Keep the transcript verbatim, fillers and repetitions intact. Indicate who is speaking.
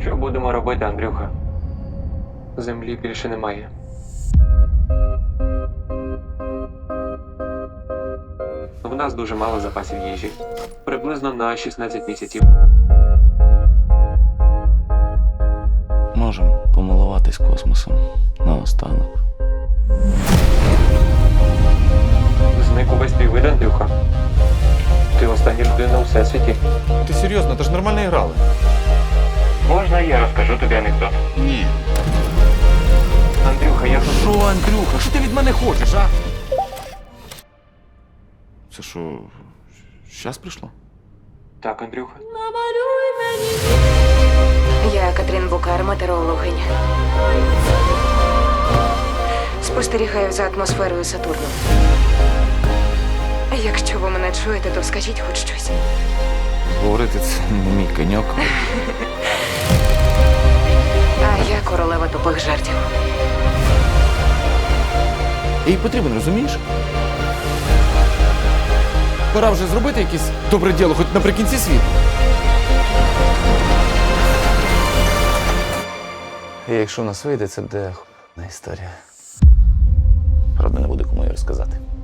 Speaker 1: Що будемо робити, Андрюха? Землі більше немає. В нас дуже мало запасів їжі. Приблизно на шістнадцять місяців.
Speaker 2: Можемо помилуватись космосом наостанок.
Speaker 1: Зник увесь твій вид, Андрюха. Ти остання людина у всесвіті.
Speaker 3: Ти серйозно, ти ж нормально грали.
Speaker 1: Можна я розкажу тобі анекдот?
Speaker 2: Ні.
Speaker 1: Андрюха, я тут.
Speaker 3: Що, Андрюха, що ти від мене хочеш, а? Це що, щас прийшло?
Speaker 1: Так, Андрюха.
Speaker 4: Я Катрін Букар, метеорологиня. Спостерігаю за атмосферою Сатурну. Якщо ви мене чуєте, то скажіть хоч щось.
Speaker 3: Говорити це не мій коньок.
Speaker 4: А я королева тупих жартів.
Speaker 3: Їй потрібен, розумієш? Пора вже зробити якесь добре діло, хоч наприкінці світу.
Speaker 2: І якщо в нас вийде, це буде х**на історія. Правда, не буде кому її розказати.